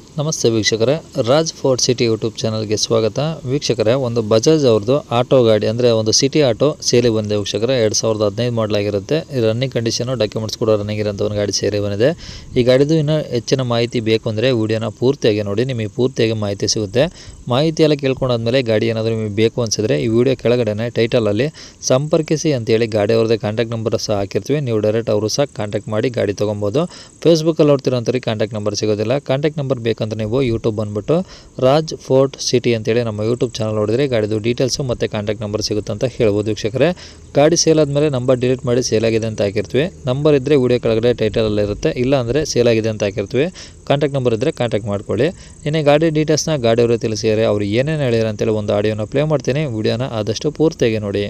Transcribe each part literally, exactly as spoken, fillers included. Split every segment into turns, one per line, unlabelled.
ನಮಸ್ತೆ ವೀಕ್ಷಕರೇ, Raj fort city YouTube ಚಾನಲ್ಗೆ ಸ್ವಾಗತ. ವೀಕ್ಷಕರೇ, ಒಂದು ಬಜಾಜ್ ಅವ್ರದ್ದು ಆಟೋ ಗಾಡಿ ಅಂದರೆ ಒಂದು ಸಿಟಿ ಆಟೋ ಸೇಲಿ ಬಂದಿದೆ ವೀಕ್ಷಕರೇ. ಎರಡು ಸಾವಿರದ ಹದಿನೈದು ಮಾಡಲಾಗಿರುತ್ತೆ. ರನ್ನಿಂಗ್ ಕಂಡೀಷನು, ಡಾಕ್ಯುಮೆಂಟ್ಸ್ ಕೂಡ ರನ್ನಿಂಗ್ ಇರೋಂಥ ಒಂದು ಗಾಡಿ ಸೇರಿ ಬಂದಿದೆ. ಈ ಗಾಡಿದು ಇನ್ನೂ ಹೆಚ್ಚಿನ ಮಾಹಿತಿ ಬೇಕು ಅಂದರೆ ವಿಡಿಯೋನ ಪೂರ್ತಿಯಾಗಿ ನೋಡಿ, ನಿಮಗೆ ಪೂರ್ತಿಯಾಗಿ ಮಾಹಿತಿ ಸಿಗುತ್ತೆ. ಮಾಹಿತಿ ಎಲ್ಲ ಕೇಳ್ಕೊಂಡಾದ್ಮೇಲೆ ಗಾಡಿ ಏನಾದರೂ ನಿಮಗೆ ಬೇಕು ಅನಿಸಿದ್ರೆ ಈ ವಿಡಿಯೋ ಕೆಳಗಡೆ ಟೈಟಲಲ್ಲಿ ಸಂಪರ್ಕಿಸಿ ಅಂತೇಳಿ ಗಾಡಿ ಅವ್ರದ್ದೇ ಕಾಂಟ್ಯಾಕ್ಟ್ ನಂಬರ್ ಸಹ ಹಾಕಿರ್ತೀವಿ. ನೀವು ಡೈರೆಕ್ಟ್ ಅವರು ಸಹ ಕಾಂಟ್ಯಾಕ್ಟ್ ಮಾಡಿ ಗಾಡಿ ತೊಗೊಬೋದು. ಫೇಸ್ಬುಕ್ಕಲ್ಲಿ ನೋಡ್ತಿರೋಂಥವ್ರಿಗೆ ಕಾಂಟ್ಯಾಕ್ಟ್ ನಂಬರ್ ಸಿಗೋದಿಲ್ಲ. ಕಾಂಟ್ಯಾಕ್ಟ್ ನಂಬರ್ ಬೇಕಂತ ನೀವು ಯೂಟ್ಯೂಬ್ ಬಂದುಬಿಟ್ಟು ರಾಜ್ ಫೋರ್ಟ್ ಸಿಟಿ ಅಂತೇಳಿ ನಮ್ಮ ಯೂಟ್ಯೂಬ್ ಚಾನಲ್ ನೋಡಿದ್ರೆ ಗಾಡಿದು ಡೀಟೇಲ್ಸು ಮತ್ತು ಕಾಂಟ್ಯಾಕ್ಟ್ ನಂಬರ್ ಸಿಗುತ್ತೆ ಅಂತ ಹೇಳ್ಬೋದು ವೀಕ್ಷಕರೇ. ಗಾಡಿ ಸೇಲ್ ಆದಮೇಲೆ ನಂಬರ್ ಡಿಲೀಟ್ ಮಾಡಿ ಸೇಲ್ ಆಗಿದೆ ಅಂತ ಹಾಕಿರ್ತೀವಿ. ನಂಬರ್ ಇದ್ದರೆ ವಿಡಿಯೋ ಕೆಳಗಡೆ ಟೈಟಲಲ್ಲಿ ಇರುತ್ತೆ, ಇಲ್ಲ ಅಂದರೆ ಸೇಲ್ ಆಗಿದೆ ಅಂತ ಹಾಕಿರ್ತೀವಿ. ಕಾಂಟ್ಯಾಕ್ಟ್ ನಂಬರ್ ಇದ್ದರೆ ಕಾಂಟ್ಯಾಕ್ಟ್ ಮಾಡ್ಕೊಳ್ಳಿ. ಇನ್ನು ಗಾಡಿ ಡೀಟೇಲ್ಸ್ನ ಗಾಡಿಯವರು ತಿಳಿಸಿದ್ದಾರೆ, ಅವ್ರು ಏನೇನು ಹೇಳ್ಯಾರ ಅಂತೇಳಿ ಒಂದು ಆಡಿಯೋನ ಪ್ಲೇ ಮಾಡ್ತೀನಿ. ವಿಡಿಯೋನ ಆದಷ್ಟು ಪೂರ್ತಿಯಾಗಿ ನೋಡಿ.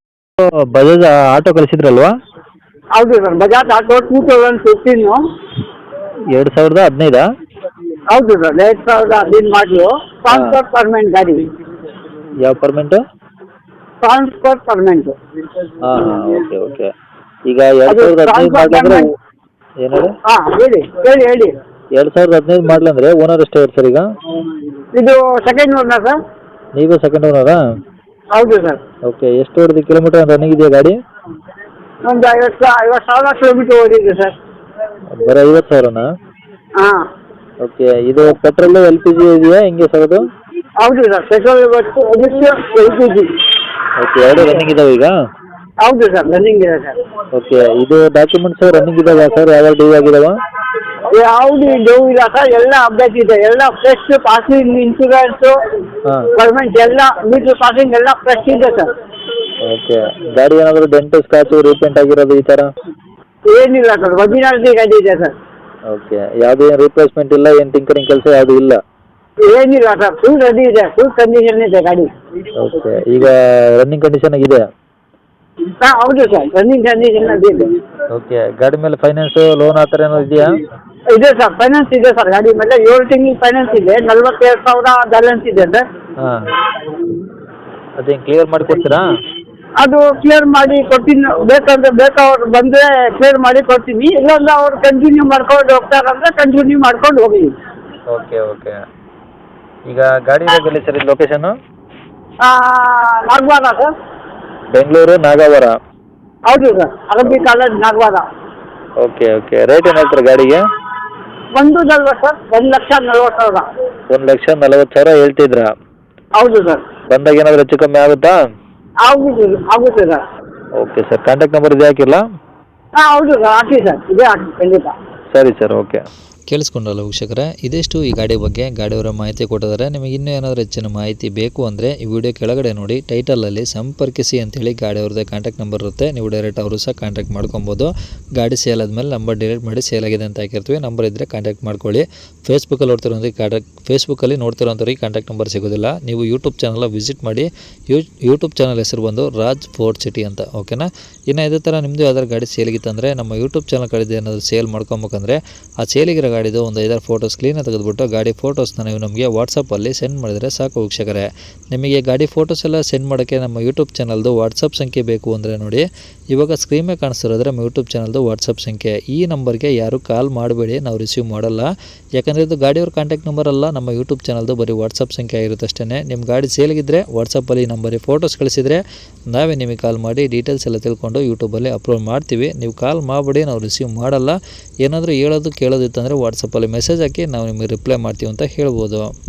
ಬಜಾಜ್ ಆಟೋ ಕಳಿಸಿದ್ರಲ್ವಾ?
ಹೌದು sir, Bajaj auto two thousand fifteen.
ಎರಡು ಸಾವಿರದ ಹದಿನೈದಾ?
ಹೌದು ಸರ್, ಎರಡು ಸಾವಿರದ ಹದಿನೈದು ಮಾಡಲು. ಟ್ರಾನ್ಸ್ಫರ್ ಪರ್ಮೆಂಟ್ ಗಾಡಿ.
ಯಾವ ಪರ್ಮೆಂಟು?
Transfer permanent.
ಹಾಂ ಹಾಂ ಓಕೆ ಓಕೆ. ಈಗ ಎರಡು ಸಾವಿರದ ಹದಿನೈದು ಮಾಡಲಂದ್ರೆ ಏನು ಹೇಳಿ?
ಹಾಂ ಹೇಳಿ ಹೇಳಿ ಹೇಳಿ
ಎರಡು ಸಾವಿರದ ಹದಿನೈದು ಮಾಡಲಂದ್ರೆ ಓನರ್ ಎಷ್ಟೇ ಇರ್ತಾರೆ ಸರ್ ಈಗ?
ಇದು ಸೆಕೆಂಡ್ ಓನರ್ ಸರ್.
ನೀವು ಸೆಕೆಂಡ್ ಓನರಾ?
ಹೌದು ಸರ್.
ಓಕೆ. ಎಷ್ಟು ಹೊಡೆದು ಕಿಲೋಮೀಟರ್ ರನ್ನಿಂಗ್ ಇದೆಯಾ ಗಾಡಿ?
ಒಂದು ಐವತ್ತು ಐವತ್ತು ಸಾವಿರ ಕಿಲೋಮೀಟರ್ ಓಡಿದೆ ಸರ್.
ಬರೀ ಐವತ್ತು ಸಾವಿರನಾ?
ಹಾಂ.
ಓಕೆ. ಇದು ಪೆಟ್ರೋಲು ಎಲ್ ಪಿ ಜಿ ಇದೆಯಾ ಹೆಂಗೆ ಸರ್ ಅದು?
ಹೌದು ಸರ್, ಪೆಟ್ರೋಲ್ ಇವತ್ತು ಎಲ್ ಪಿ ಜಿ.
ಓಕೆ. ಎರಡು ರನ್ನಿಂಗ್ ಇದಾವೆ ಈಗ?
ಹೌದು ಸರ್, ರನ್ನಿಂಗ್ ಇದೆ ಸರ್.
ಓಕೆ. ಇದು ಡಾಕ್ಯುಮೆಂಟ್ಸ್ ರನ್ನಿಂಗ್ ಇದಾವೆ ಸರ್? ಯಾವ್ಯಾವ ಡ್ಯೂ ಆಗಿದಾವ?
ಯಾವುದು ಡ್ಯೂ ಇಲ್ಲ ಸರ್, ಎಲ್ಲ ಅಪ್ಡೇಟ್ ಇದೆ. ಎಲ್ಲ ಫ್ರೆಶ್ ಪಾಸಿಂಗ್, ಇನ್ಶೂರೆನ್ಸು,
ಹಾಂ,
ಪರ್ಮೆಂಟ್ ಎಲ್ಲ, ಮೀಟರ್ ಪಾಸಿಂಗ್ ಎಲ್ಲ ಫ್ರೆಶ್ ಇದೆ ಸರ್.
ಓಕೆ. ಗಾಡಿ ಏನಾದರೂ ಡೆಂಟು ಸ್ಕ್ರಾಚು ರೀಪೇಂಟ್ ಆಗಿರೋದು ಈ ಥರ?
ಏನಿಲ್ಲ ಸರ್, ಒರಿಜಿನಾಲಿಟಿ ಗಾಡಿ ಇದೆ ಸರ್.
ಓಕೆ. ಯಾವುದೇ ರಿಪ್ಲೇಸ್ಮೆಂಟ್ ಇಲ್ಲ, ಏನು ಟಿಂಕರಿಂಗ್ ಕೆಲಸ ಯಾವುದು ಇಲ್ಲ?
ಏನಿಲ್ಲ ಸರ್, ಫುಲ್ ರೆಡಿ ಇದೆ, ಫುಲ್ ಕಂಡೀಷನ್ ಇದೆ ಗಾಡಿ.
ಓಕೆ. ಈಗ ರನ್ನಿಂಗ್ ಕಂಡೀಷನ್ ಆಗಿದೆ?
ಹಾಂ ಹೌದು ಸರ್, ರನ್ನಿಂಗ್ ಕಂಡೀಷನ್ ಇದೆ.
ಓಕೆ. ಗಾಡಿ ಮೇಲೆ ಫೈನಾನ್ಸು, ಲೋನ್ ಆ ಥರ ಏನಾದ್ರು ಇದೆಯಾ?
ಇದೆ ಸರ್, ಫೈನಾನ್ಸ್ ಇದೆ ಸರ್. ಗಾಡಿ ಮೇಲೆ ಏಳು ತಿಂಗಳು ಫೈನಾನ್ಸ್ ಇದೆ. ನಲ್ವತ್ತೆರಡು ಸಾವಿರ ಬ್ಯಾಲೆನ್ಸ್ ಇದೆ ಸರ್.
ಹಾಂ. ಅದೇನು ಕ್ಲಿಯರ್ ಮಾಡಿಕೊಡ್ತೀರಾ?
ಅದು ಕ್ಲಿಯರ್ ಮಾಡಿ ಕೊಡ್ತೀನಿ. ಬೇಕಂದ್ರೆ ಬೇಕಾವ್ರು ಬಂದರೆ ಕ್ಲಿಯರ್ ಮಾಡಿ ಕೊಡ್ತೀನಿ, ಇಲ್ಲಾಂದ್ರೆ ಅವ್ರು ಕಂಟಿನ್ಯೂ ಮಾಡ್ಕೊಂಡು ಹೋಗ್ತಾರಂದ್ರೆ ಕಂಟಿನ್ಯೂ ಮಾಡ್ಕೊಂಡು ಹೋಗಿ.
Okay okay. ಈಗ ಗಾಡಿ ಇರೋದಿಲ್ಲ ಸರ್ ಇದು ಲೊಕೇಶನ್ನು?
ನಾಗವಾರ ಸರ್.
ಬೆಂಗಳೂರು ನಾಗವಾರ?
ಹೌದು ಸರ್, ಅರಬ್ಬಿ college Nagavara.
Okay okay. Rate ಏನು ಹೇಳ್ತಾರೆ ಗಾಡಿಗೆ?
ಒಂದು ನಲ್ವತ್ತು ಸರ್, ಒಂದು ಲಕ್ಷ ನಲ್ವತ್ತು ಸಾವಿರ.
ಒಂದು ಲಕ್ಷ ನಲವತ್ತು ಸಾವಿರ ಹೇಳ್ತಿದ್ರಾ?
ಹೌದು ಸರ್.
ಬಂದಾಗ ಏನಾದರೂ ಹೆಚ್ಚು ಕಮ್ಮಿ ಆಗುತ್ತಾ?
ಆಗುತ್ತೆ ಆಗುತ್ತೆ sir.
Okay sir. Contact number ಇದೆ ಹಾಕಿಲ್ಲ?
ಹಾಂ ಹೌದು ಸರ್, ಹಾಕಿ ಸರ್, ಇದೇ ಹಾಕಿ ಖಂಡಿತ.
ಸರಿ ಸರ್, ಓಕೆ.
ಕೇಳಿಸ್ಕೊಂಡ್ರಲ್ಲ ವೀಕ್ಷಕರೇ, ಇದಿಷ್ಟು ಈ ಗಾಡಿ ಬಗ್ಗೆ ಗಾಡಿಯವರ ಮಾಹಿತಿ ಕೊಟ್ಟಿದ್ದಾರೆ. ನಿಮಗೆ ಇನ್ನೂ ಏನಾದರೂ ಹೆಚ್ಚಿನ ಮಾಹಿತಿ ಬೇಕು ಅಂದರೆ ಈ ವಿಡಿಯೋ ಕೆಳಗಡೆ ನೋಡಿ, ಟೈಟಲಲ್ಲಿ ಸಂಪರ್ಕಿಸಿ ಅಂತೇಳಿ ಗಾಡಿಯವ್ರದ್ದೇ ಕಾಂಟ್ಯಾಕ್ಟ್ ನಂಬರ್ ಇರುತ್ತೆ. ನೀವು ಡೈರೆಕ್ಟ್ ಅವರು ಸಹ ಕಾಂಟ್ಯಾಕ್ಟ್ ಮಾಡ್ಕೊಬೋದು. ಗಾಡಿ ಸೇಲ್ ಆದಮೇಲೆ ನಂಬರ್ ಡಿಲೀಟ್ ಮಾಡಿ ಸೇಲ್ ಆಗಿದೆ ಅಂತ ಹಾಕಿರ್ತೀವಿ. ನಂಬರ್ ಇದ್ದರೆ ಕಾಂಟ್ಯಾಕ್ಟ್ ಮಾಡ್ಕೊಳ್ಳಿ. ಫೇಸ್ಬುಕ್ಕಲ್ಲಿ ನೋಡ್ತಿರೋಂಥವ್ರಿಗೆ ಕಾಂಟ್ಯಾಕ್ಟ್ ಫೇಸ್ಬುಕ್ಕಲ್ಲಿ ನೋಡ್ತಿರೋಂಥವ್ರಿಗೆ ಕಾಂಟ್ಯಾಕ್ಟ್ ನಂಬರ್ ಸಿಗೋದಿಲ್ಲ. ನೀವು ಯೂಟ್ಯೂಬ್ ಚಾನಲ್ ವಿಸಿಟ್ ಮಾಡಿ. ಯೂ ಯೂಟ್ಯೂಬ್ ಚಾನಲ್ ಹೆಸರು ಬಂದು ರಾಜ್ ಫೋರ್ಟ್ ಸಿಟಿ ಅಂತ, ಓಕೆನಾ? ಇನ್ನು ಇದೇ ಥರ ನಿಮ್ಮದು ಯಾವ್ದಾದ್ರು ಗಾಡಿ ಸೇಲಿಗಿತ್ತಂದರೆ ನಮ್ಮ ಯೂಟ್ಯೂಬ್ ಚಾನಲ್ ಕಡೆದು ಏನಾದರೂ ಸೇಲ್ ಮಾಡ್ಕೊಬೇಕಂದ್ರೆ ಆ ಸೇಲಿಗಿರೋ ಗಾಡಿದು ಒಂದು ಐದಾರು ಫೋಟೋಸ್ ಕ್ಲೀನಾಗಿ ತೆಗೆದುಬಿಟ್ಟು ಗಾಡಿ ಫೋಟೋಸ್ನ ನೀವು ನಮಗೆ ವಾಟ್ಸಪ್ಪಲ್ಲಿ ಸೆಂಡ್ ಮಾಡಿದರೆ ಸಾಕು ವೀಕ್ಷಕರೇ. ನಿಮಗೆ ಗಾಡಿ ಫೋಟೋಸ್ ಎಲ್ಲ ಸೆಂಡ್ ಮಾಡೋಕ್ಕೆ ನಮ್ಮ ಯೂಟ್ಯೂಬ್ ಚಾನಲ್ದು ವಾಟ್ಸಪ್ ಸಂಖ್ಯೆ ಬೇಕು ಅಂದರೆ ನೋಡಿ, ಇವಾಗ ಸ್ಕ್ರೀನ್ ಮೇಲೆ ಕಾಣಿಸ್ತಿರೋದ್ರೆ ನಮ್ಮ ಯೂಟ್ಯೂಬ್ ಚಾನಲ್ದು ವಾಟ್ಸಪ್ ಸಂಖ್ಯೆ. ಈ ನಂಬರ್ಗೆ ಯಾರು ಕಾಲ್ ಮಾಡಬೇಡಿ, ನಾವು ರಿಸೀವ್ ಮಾಡಲ್ಲ. ಯಾಕಂದರೆ ಇದು ಗಾಡಿಯವ್ರ ಕಾಂಟ್ಯಾಕ್ಟ್ ನಂಬರ್ ಅಲ್ಲ, ನಮ್ಮ ಯೂಟ್ಯೂಬ್ ಚಾನಲ್ದು ಬರೀ ವಾಟ್ಸಪ್ ಸಂಖ್ಯೆ ಆಗಿರುತ್ತೆ ಅಷ್ಟೇ. ನಿಮ್ಮ ಗಾಡಿ ಸೇಲಿಗಿದ್ದರೆ ವಾಟ್ಸಪ್ಪಲ್ಲಿ ನಂಬರಿಗೆ ಫೋಟೋಸ್ ಕಳಿಸಿದರೆ ನಾವೇ ನಿಮಗೆ ಕಾಲ್ ಮಾಡಿ ಡೀಟೇಲ್ಸ್ ಎಲ್ಲ ತಿಳ್ಕೊಂಡು ಯೂಟ್ಯೂಬಲ್ಲಿ ಅಪ್ಲೋಡ್ ಮಾಡ್ತೀವಿ. ನೀವು ಕಾಲ್ ಮಾಡಬೇಡಿ, ನಾವು ರಿಸೀವ್ ಮಾಡಲ್ಲ. ಏನಾದರೂ ಹೇಳೋದು ಕೇಳೋದಿತ್ತಂದರೆ ವಾಟ್ಸಪ್ಪಲ್ಲಿ ಮೆಸೇಜ್ ಹಾಕಿ ನಾವು ನಿಮಗೆ ರಿಪ್ಲೈ ಮಾಡ್ತೀವಿ ಅಂತ ಹೇಳ್ಬೋದು.